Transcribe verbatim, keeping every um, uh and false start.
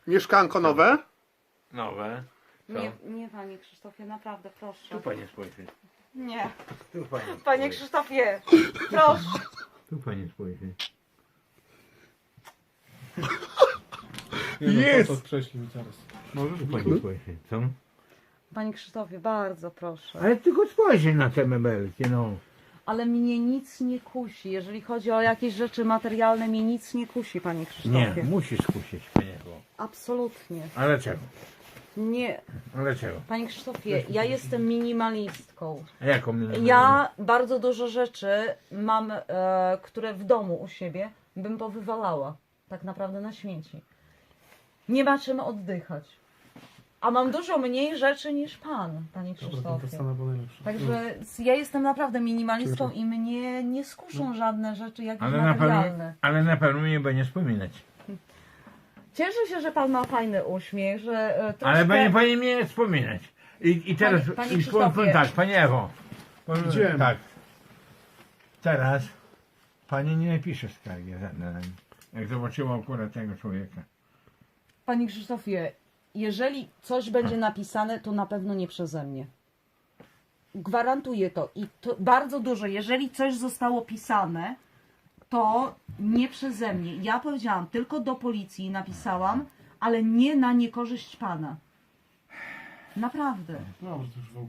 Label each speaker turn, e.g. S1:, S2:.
S1: Mieszkanko nowe?
S2: Nowe. Co?
S3: Nie, nie panie Krzysztofie, naprawdę proszę.
S2: Tu pani spojrzy.
S3: Nie.
S2: Tu pani
S3: Panie
S2: spojrzy.
S3: Krzysztofie, proszę.
S2: Tu pani spojrzy.
S4: Nie, no,
S1: Jest!
S4: to, to prześlij mi teraz.
S2: Może tu pani spojrzy. Co?
S3: Panie Krzysztofie, bardzo proszę.
S2: Ale tylko spojrzy na te mebelki, no.
S3: Ale mnie nic nie kusi. Jeżeli chodzi o jakieś rzeczy materialne, mnie nic nie kusi, panie
S2: Nie,
S3: Krzysztofie.
S2: musisz kusić mnie.
S3: Absolutnie.
S2: Ale czego?
S3: Nie.
S2: Ale czego?
S3: Panie Krzysztofie, ja jestem minimalistką.
S2: A jaką mnie
S3: Ja bardzo dużo rzeczy mam, e, które w domu u siebie bym powywalała. Tak naprawdę na śmieci. Nie ma czym oddychać. A mam dużo mniej rzeczy niż pan, panie
S4: Dobra, ten
S3: Krzysztofie.
S4: dostanę, bo najlepszy.
S3: Także ja jestem naprawdę minimalistką i mnie nie skuszą żadne rzeczy jakieś
S2: Ale na, pewno,
S3: materialne.
S2: ale na pewno mnie będzie wspominać.
S3: Cieszę się, że pan ma fajny uśmiech, że e, troszkę...
S2: Ale będzie pani mnie wspominać. I, i teraz
S3: Panie- panie
S2: i powiem
S3: Krzysztofie.
S2: tak, pani Ewo. Powiem
S4: Widziałem.
S2: tak. Teraz pani nie napisze skargi na na- jak zobaczyła akurat tego człowieka.
S3: Panie Krzysztofie, jeżeli coś będzie napisane, to na pewno nie przeze mnie. Gwarantuję to. I to bardzo dużo. Jeżeli coś zostało pisane, to nie przeze mnie. Ja powiedziałam, tylko do policji napisałam, ale nie na niekorzyść pana. Naprawdę.
S4: Dobrze, to już w ogóle.